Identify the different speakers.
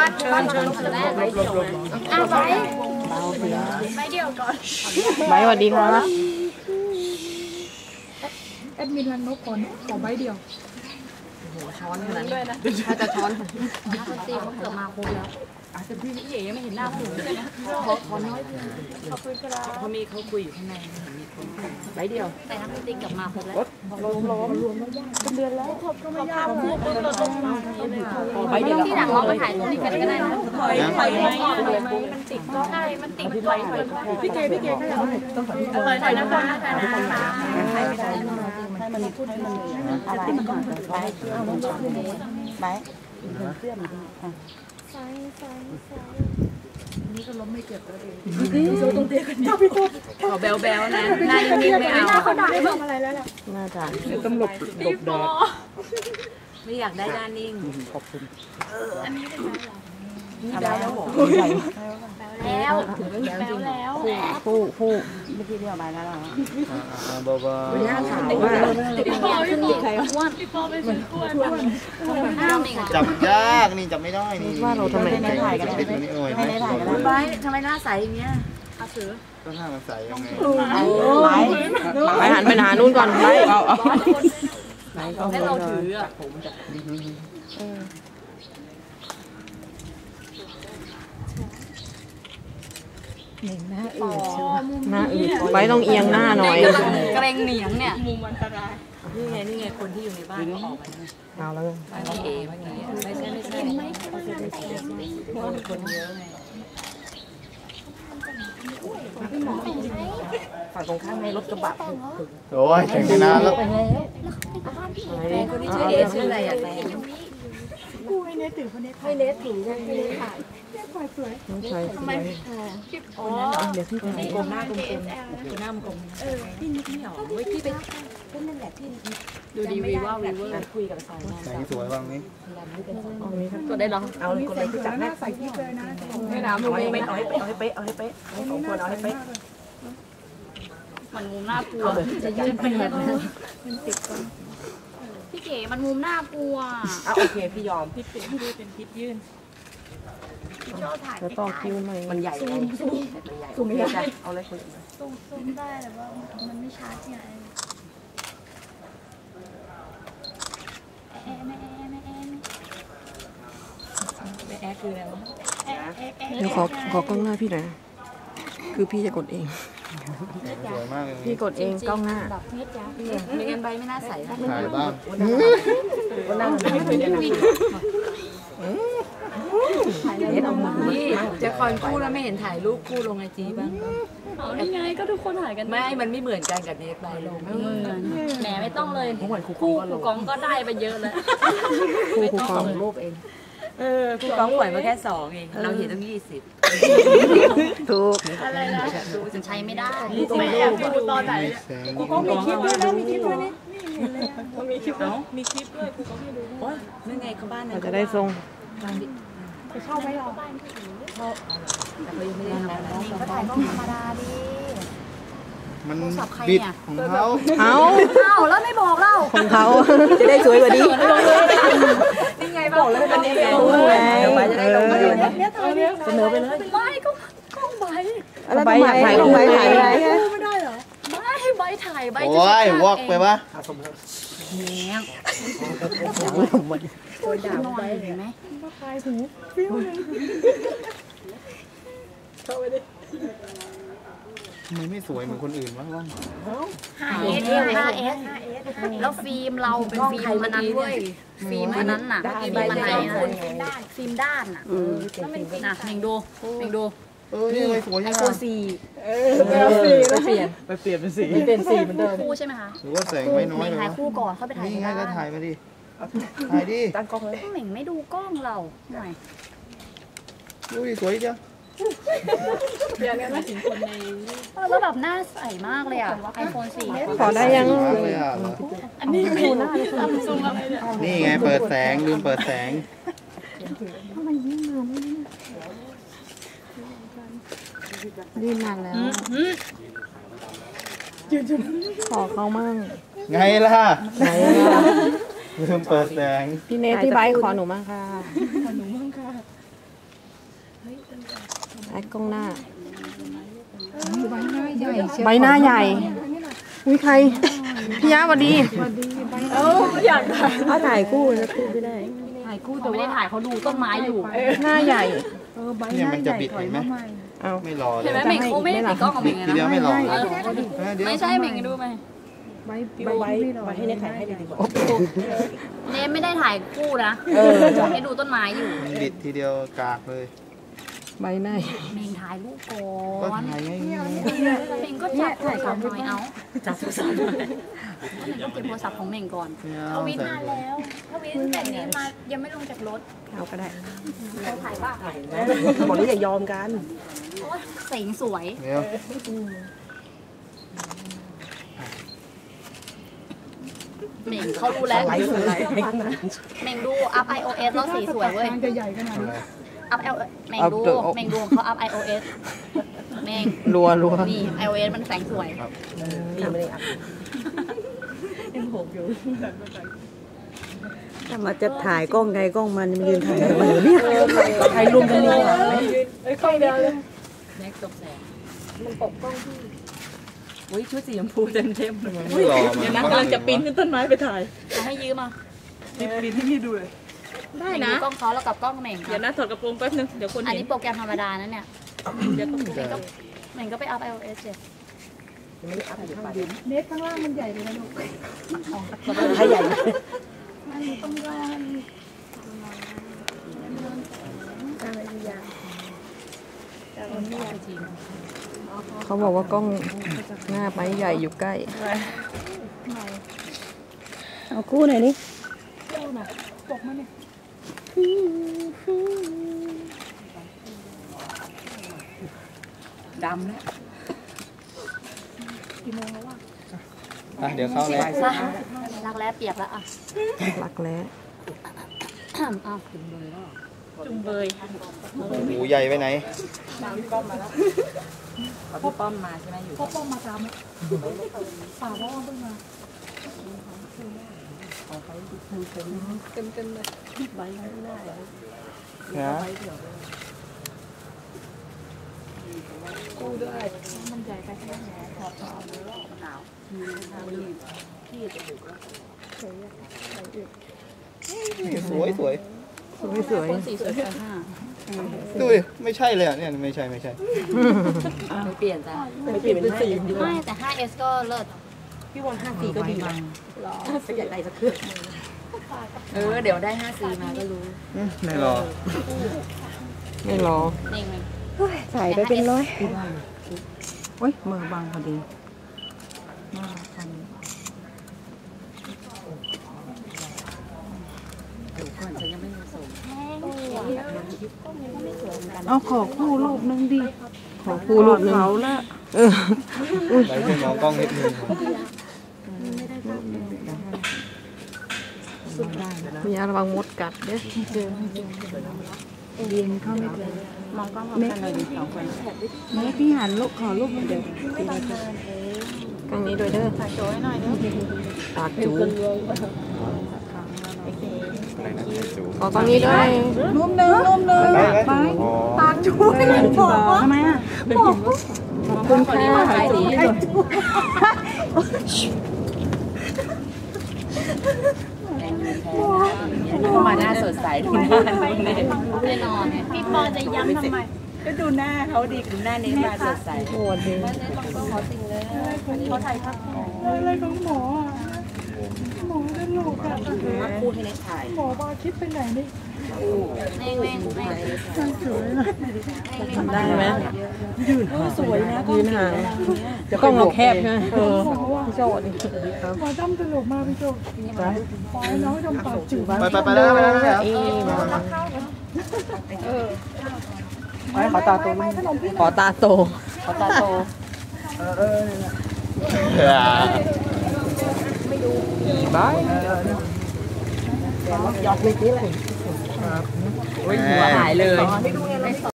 Speaker 1: ใบเดียวก่อน
Speaker 2: ใบสวัสดีครับ
Speaker 3: แอดมินรันนกก่อนขอใบเดียว
Speaker 1: ช้อนนั้นด้วยนะถ้าจะช้อนตีเขาเกิดมาครบแล้วแต่พี่เอ๋ยังไม่เห็นหน้าผมเลยนะขอน้อยขอบคุณครับเขามีเขาคุยอยู่ข้างในเห็นมีคนใบเดียวแต่ถ้าพี่ติ๊กกลับมาครบแล้วรวมเป็นเดือนแล้วขอบคุณมากใบเดียวที่หลังเราไปถ่ายตรงนี้กันก็ได้นะไฟมันติดก็ได้มันติดไฟ
Speaker 3: พี่เก๋ก็อยากต้องขอที่
Speaker 1: ไฟนะคะถ่ายไม่ได้ให้มันพูดให้มันอะไรใบเอาน้องชอบใบเสื้อมันนี่ก็ล้มไม่เจ็บแล้วดิโซ่ตรงเตียงกันนี่ขอแบลนะหน้านิ่งๆไม่เอา
Speaker 3: เขาด่าได้บอกอะไรแล้วล่ะ
Speaker 2: น่าจะ
Speaker 3: ต้องหลบแดด
Speaker 1: ไม่อยากได้หน้านิ่ง
Speaker 2: ขอบคุณ
Speaker 1: อันนี้เป็นแบล
Speaker 2: แล้วผู้เมื่อกี้เรียกมาแล้วเหรอ
Speaker 4: บ้า
Speaker 2: ไม่น่าถามว่า
Speaker 1: พี่ปอขึ้นอีกใครอ้วนพี่ปอเป็นคนอ้วน
Speaker 4: จับยากนี่จับไม่ได้นี่
Speaker 2: ว่าเราทำไม
Speaker 4: ไม่ถ่ายกันไม่
Speaker 1: ได้ถ่ายกันไปทำไมหน้าใสอย่างเงี้ยอาถือ
Speaker 4: ก็หน้ามันใสยังไง
Speaker 2: ไปหันไปหานู่นก่อนไปเอา
Speaker 1: ให้เราถืออ่ะผมจะ
Speaker 2: หน้าอืดไว้ต้องเอียงหน้าหน่อย
Speaker 1: เกรงเหนียงเนี่ยมุมอันตรายนี่ไงคนที่อยู่ในบ้านก็ออกมา
Speaker 2: เอาแล้ว
Speaker 1: ไม่เอเมื่อกี้ไม่ใช่คนเยอะไง
Speaker 2: ฝั่งตรงข้ามในรถกระบะ
Speaker 4: โอ้ยแข่งกันนานแล้ว
Speaker 1: คนที่ชื่อเอชื่ออะไรอ่ะ
Speaker 3: กูให้เนทถือคนนี้
Speaker 1: ให้เนทถือให้เนทถ่าย
Speaker 3: สวย
Speaker 2: น้องชายสวยเดี๋ยวพี่ไป
Speaker 1: กลมหน้ากลมหน้ากลมพี่นิดไม่หรอเว้ยพี่ไปนั่นแหละที่ดูดีวีว่าวีเวอร์คุยกับสาว
Speaker 4: ไหนสวยบ้างนี่
Speaker 1: ก็ได้ลอง
Speaker 2: เอาเลยคนเลยที่จับหน้า
Speaker 3: ใส่ที่เลยนะ
Speaker 2: ไม่น้ำเอาให้เป๊ะเอาให้เป๊ะของคนเอาให้เป๊ะ
Speaker 1: มันมุมน่ากลัวจะยืนเป็นแบบนั้นพี่เก๋มันมุมน่ากลัว
Speaker 2: โอเคพี่ยอม
Speaker 3: พิษเป็นพิษยื่น
Speaker 2: จะต่อคิวหน่อย
Speaker 1: มันใหญ่
Speaker 2: ซูมไม่ได้เอาเลยคน
Speaker 1: ซูมได้แต่ว่ามันไม่ชัดไงแอคืออะไรวะ
Speaker 2: เดี๋ยวขอกล้องหน้าพี่หน่อยคือพี่จะกดเอง
Speaker 4: สวยมากเลย
Speaker 2: พี่กดเองกล้องหน้า
Speaker 1: ไม่งั้นใบไม่น่าใส
Speaker 4: ถ่ายบ้าง
Speaker 2: วันนั้นไม่เคยได้
Speaker 1: นี่จะคอยคู่แล้วไม่เห็นถ่ายรูปคู่ลงไอจีบ้างเอานี่ไงก็ทุกคนถ่ายกันไม่มันไม่เหมือนกันกับเนทใบลงไม่เหมือนแหมไม่ต้องเลยคู่กองก็ได้ไปเยอะแล้ว
Speaker 2: คู่กอง
Speaker 1: รูปเองคู่กองปล่อยมาแค่2เองเราเห็นต้อง20
Speaker 2: ถูก
Speaker 1: อะไรนะฉันใช้ไม่ได้
Speaker 3: ไม่อยากดูตอนไหนกูก็มีคลิปด้วยนะมีคลิปด้วยนี่มีคลิปด้วยมีคลิปด้วยกูก็ไม่ดู
Speaker 1: โอ๊ยนั่นไงเขาบ้าน
Speaker 2: เราจะได้ทรง
Speaker 3: จะเข้าไหมเรา
Speaker 1: แต่เขายังไม่ได้ทำอะไรก็ถ่ายกล้องธรรมดาดิ
Speaker 4: มันบิดของเขา
Speaker 1: แล้วไม่บอกเรา
Speaker 2: ของเขาจะได้สวยกว่านี้
Speaker 1: นี่ไงบอกแล้วเป็นยังไงเดี๋ยวไปจะได้ลงมาดูเสนอไปเลยไม่ก็กล้องใบ
Speaker 2: ใบถ่ายลงใบถ่ายอะไร
Speaker 3: ไม่ได้เหรอ
Speaker 1: ไม่ใบถ่ายใบ
Speaker 4: โอ้ยวอกไปปะ
Speaker 1: เนี้ย
Speaker 3: ตัวด่าใบเห็นไหมก็คลายหูฟิวเลยเข้าไปดิ
Speaker 4: ทำไมไม่สวยเหมือนคนอื่นวะว่าง
Speaker 1: 5S แล้วฟิล์มเราเป็นฟิล์มมันนั้นเว้ยฟิล์มมันนั้นน่ะฟิล์มมันไหนฟิล์มด้านน่ะน่ะเม่งดู
Speaker 4: นี่ไม่สวยยังไง
Speaker 1: ตัว4
Speaker 2: ไปเปลี่ยนเป็นสีเป็นสีเหมือนเดิม
Speaker 1: คู่ใช่ไหมคะ
Speaker 4: หรือว่าแสงไม่น้อยเลย
Speaker 1: ถ่ายคู่ก่อนเข้าไปถ่าย
Speaker 4: นี่ไงก็ถ่ายมาดิถ่ายดิ
Speaker 2: ตั้งกล้องเลย
Speaker 1: เหม่งไม่ดูกล้องเราหน่อย
Speaker 4: ดูดิสวยจัง
Speaker 3: เดี๋ยวนี้มาถึงคนใน
Speaker 1: แล้วแบบหน้าใสมากเลยอ่ะ iPhone 4
Speaker 2: ขอได้ยัง
Speaker 1: อันนี้ดูหน้าซูมอะไรเนี่ย
Speaker 4: นี่ไงเปิดแสงลืมเปิดแสง
Speaker 2: ทำไมยิ่งนานยิ่งนานแล้วขอเขามั่ง
Speaker 4: ไงล่ะลืมเปิดแสง
Speaker 2: พี่เนทที่ไบค์ขอหนูมั่งค่ะ
Speaker 3: ขอหนูมั่งค่ะ
Speaker 2: แอคกล้องหน้า
Speaker 3: ใบหน้าใหญ่เชียว
Speaker 2: ใบหน้าใหญ่อุ้ยใครพี่ยะสวัสดี
Speaker 3: อยากถ่าย
Speaker 2: เอาถ่ายคู่นะคู่ไม่ได้
Speaker 1: ถ่ายคู่แต่ไม่ได้ถ่ายเขาดูต้นไม้อยู่
Speaker 2: หน้าใหญ่
Speaker 3: ใบห
Speaker 4: เนี่ย
Speaker 3: น้า
Speaker 4: มัน
Speaker 3: ให
Speaker 4: จะ
Speaker 3: ญ่
Speaker 4: บิด
Speaker 3: ถอย
Speaker 4: เห็นไหม
Speaker 3: มาใหม่
Speaker 2: เอา
Speaker 4: ไม่รอเล
Speaker 1: เห็น
Speaker 4: ย
Speaker 1: ไหมเม่งเขาไม่ได้ติดกล้องของเม่งเลย
Speaker 4: ที
Speaker 1: นะ
Speaker 4: เดียวไม่รอเลย เดี๋ยว
Speaker 1: ไม่ใช่เม่งดูไหม
Speaker 3: ใบให้เนี่ยถ่ายให้ดีกว่า
Speaker 1: เนมไม่ได้ถ่ายคู่นะให้ดูต้นไม้อยู่
Speaker 4: มันบิดทีเดียวกากเลย
Speaker 2: ใบหน้า
Speaker 1: เม่งถ่ายรูปก่
Speaker 4: ก็
Speaker 1: อน
Speaker 4: ถ่ายง่าย
Speaker 1: เม่งก็จับโทรศัพท์หน่อยเอาจับโทรศัพท์หน่อยเม่งก็เก็บโทรศัพท์ของเม่งก่อน
Speaker 4: ๆ
Speaker 5: ทวิตนานแล้วทวิตแต่นี้มายังไม่ลงจากรถ
Speaker 2: เอาก็ได้
Speaker 1: เราถ่ายป่ะ
Speaker 2: บอกนี่อย่ายอมกัน
Speaker 1: โอ๊ยเสียงสวย
Speaker 4: เดี๋ยว
Speaker 1: เม่งเขารู้แล้วเม่งดูอัพ iOS แล้วสีสวยเว้ย
Speaker 3: มันจะใหญ่ขนาดนี้
Speaker 1: อัพเม่งดูเม่งดูเขาอัพ iOS เม่ง
Speaker 2: รัว
Speaker 1: นี่ iOS มันแสงสวย
Speaker 6: ถ้ามาจะถ่ายกล้องใครกล้องมันยืนถ่ายทำไมเนี่ย
Speaker 2: ถ่ายรวมกันเลย
Speaker 3: ค่อยเดียวเลย
Speaker 1: แม็กตกแสง
Speaker 2: อุ้ยชุดสีชมพูเต็ม
Speaker 4: ไม่รอ
Speaker 3: เดี๋ยว
Speaker 4: มั
Speaker 3: นะ
Speaker 4: น
Speaker 3: กำลังจะปีนขึ้นต้นไม้ไปถ่าย
Speaker 1: เอาให้ยืมอ่ะ
Speaker 3: ปีนที่พี่ดูเลยได้
Speaker 1: เม่ง
Speaker 3: นะ
Speaker 1: ดูกล้องเขาแล้วกับกล้องเม่ง
Speaker 3: เดี๋ยวนะถอดกระโปรงแป๊บนึงเดี๋ยวคน
Speaker 1: อัน
Speaker 3: เห็น
Speaker 1: นี้โปรแกรมธรรมดานะเนี่ย
Speaker 3: เดี๋ยวก็
Speaker 1: เม่งก็ไปอัพ iOS เสร็จ
Speaker 3: เน็ตข้างล่างมันใหญ่เลยนะลูก
Speaker 2: ให้ใหญ่ เขาบอกว่ากล้องหน้าไม้ใหญ่อยู่ใกล้
Speaker 6: เอาคู่หน่อยนี่
Speaker 3: ปกมาเนี่ย
Speaker 2: ดำแล้ว
Speaker 4: อ่ะเดี๋ยวเข้าแล้ว
Speaker 1: ซะรักแร้เปียกแล้วอ่ะ
Speaker 2: รักแร้
Speaker 1: อ้าว
Speaker 3: จุ่มเบย
Speaker 4: หูใหญ่ไปไหน
Speaker 2: พี่ป้อมมาใช่ไหมอยู่
Speaker 3: พ่อป้อมมาตามป่าพ่อเพิ่งมาเต็มเลย
Speaker 4: นะ
Speaker 3: กู้ด้วย
Speaker 1: มันใหญ่ไปแค่ไหนถอดหนาว
Speaker 4: สวยสวย
Speaker 2: สวย
Speaker 1: คนสีสวยไปห้า
Speaker 4: ดูดิไม่ใช่เลยอ่ะเนี่ยไม่ใช่
Speaker 1: ไม่เปลี่ยนจ้ะ
Speaker 2: ไม่เปลี่ยนเป็นสี
Speaker 1: ไม่แต่ 5S ก็เลิศ
Speaker 2: พี่วอน54ก็ดีนะอยากได้สักเครื่อง
Speaker 1: เดี๋ยวได้ 5C มาก็รู้
Speaker 4: ไม่รอ
Speaker 2: ไม่รอ
Speaker 1: เม่ง
Speaker 6: ถ่ายไปเป็นร้อย
Speaker 2: โอ้ยมือบังพอดีเอาขอคู่รูปนึงดิขอคู่รูปนึงเขาละ
Speaker 4: ไปให้มองกล้องนิดนึง
Speaker 2: มีระวังมดกัดเด้อ
Speaker 6: แม่พี่หันลูกขอลูกเดี๋ยว
Speaker 2: กางนี้ด้วยเด้อปากจูขอกางนี้ด้วย
Speaker 6: รูปหนึ่ง
Speaker 4: ไป
Speaker 6: ทำไมอ่ะ
Speaker 2: ขอบคุณค่ะ
Speaker 1: มาหน้าสดใสดูหน้าแน่นอนเนี่ย
Speaker 5: พี่ปอจะย้ำทำไม
Speaker 6: ก็ดูหน้าเขาดีดูหน้านี้มาสดใส
Speaker 2: โหดดี
Speaker 1: เขาถ่ายภาพ
Speaker 3: อะไรของหมออ่ะหมอจะหลกอ่ะ
Speaker 1: คู่ให้เน็ตถ่าย
Speaker 3: หมอบาคิดไปไหนนี่
Speaker 1: เม่ง
Speaker 2: ได้ไหม
Speaker 6: สวยนะ
Speaker 2: ยืนห่างกล้องเราแคบใช่ไหม
Speaker 3: หมอว่าหมอจำตลกมาพี่โจปล่อยน้องจำปากจืด
Speaker 4: ไปแล้วไปแล้วไปแล้ว
Speaker 2: ขอตาโตขอตาโต
Speaker 4: บาย
Speaker 2: หยอดเลยนี่แหละ
Speaker 4: หัวหายเลย